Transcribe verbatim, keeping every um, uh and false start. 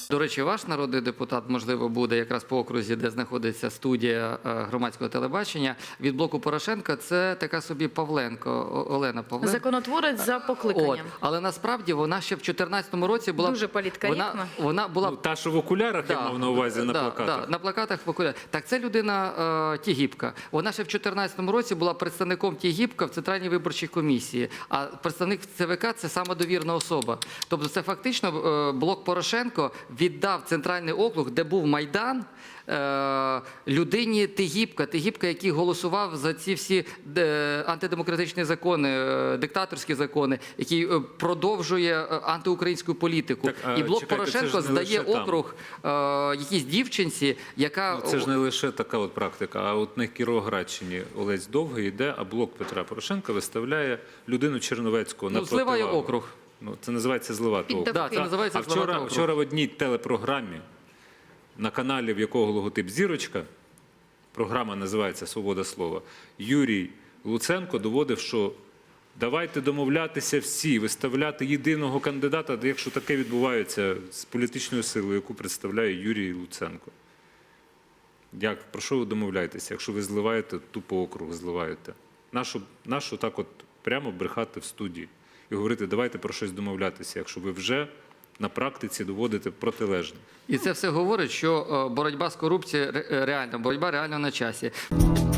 До речі, ваш народний депутат, можливо, буде якраз по окрузі, де знаходиться студія громадського телебачення. Від блоку Порошенка це така собі Павленко, Олена Павленко. Законотворець за покликанням. От. Але насправді вона ще в чотирнадцятому році була... Дуже політкоректна. Вона, вона була... Ну, та, що в окулярах, Да, я мав на увазі, на да, плакатах. Да, на плакатах в окулярах. Так, це людина е, Тігіпка. Вона ще в чотирнадцятому році була представником Тігіпка в Центральній виборчій комісії. А представник ЦВК – це самодовірна особа. Тобто це фактично е, блок Порошенко віддав Центральний округ, де був Майдан, е, людині Тігіпка. Тігіпка, який голосував за ці всі е, антидемократичні закони, е, диктаторські закони, який е, продовжує е, антиукраїнську політику. Так, а, І блок чекайте, Порошенко це ж не здає лише там. округ е, якійсь дівчинці, яка... Ну, це ж не лише така от практика, а от на Кіровоградщині Олесь Довгий йде, а блок Петра Порошенка виставляє людину Черновецького на Ну, зливає противагу. округ. Ну, це називається зливати округ. Да, це називається А зливати вчора, округ. вчора в одній телепрограмі, на каналі, в якого логотип «Зірочка», програма називається «Свобода слова», Юрій Луценко доводив, що давайте домовлятися всі, виставляти єдиного кандидата, якщо таке відбувається з політичною силою, яку представляє Юрій Луценко. Як, про що ви домовляєтеся, якщо ви зливаєте, тупо округ зливаєте? Нащо, нащо так от прямо брехати в студії і говорити, давайте про щось домовлятися, якщо ви вже на практиці доводите протилежне? І це все говорить, що е, боротьба з корупцією ре- реально, боротьба реально на часі.